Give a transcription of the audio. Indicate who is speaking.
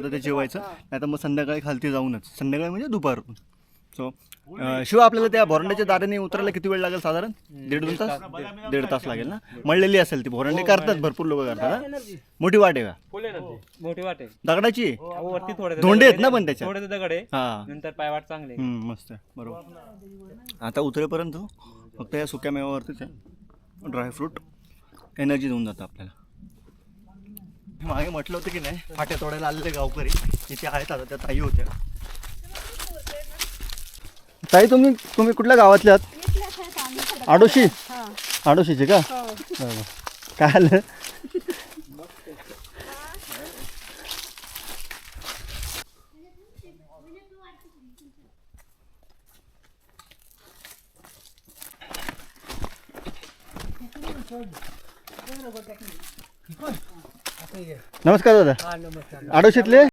Speaker 1: तर ते जेवायचं, नाही तर मग संध्याकाळी खालती जाऊनच, संध्याकाळी म्हणजे दुपारून. सो शिव आपल्याला त्या भोरंड्याच्या दाराने उतरायला किती वेळ लागेल साधारण? 1.5-2 तास? 1.5 तास लागेल ना. मळलेली असेल ती भोरंडी, करतात भरपूर लोक करतात ना. मोठी वाट आहे का?
Speaker 2: मोठी वाट आहे
Speaker 1: दगडाची?
Speaker 2: वरती थोडे
Speaker 1: धोंडे आहेत ना पण त्याच्यात?
Speaker 2: थोडे दगड आहे,
Speaker 1: हा
Speaker 2: नंतर पायवाट चांगले.
Speaker 1: मस्त आहे, बरोबर. आता उतरेपर्यंत फक्त या सुक्या मेवावरतीच आहे, ड्रायफ्रूट एनर्जी देऊन जातं आपल्याला. मागे म्हटलं होतं की नाही, फाट्या तोडायला आलेले गावकरी इथे आहेत. आता त्या ताई होत्या. ताई तुम्ही कुठल्या गावातल्या आहात? आडोशी? आडोशीचे का? काय आलं? नमस्कार दादा. आडोशीतले?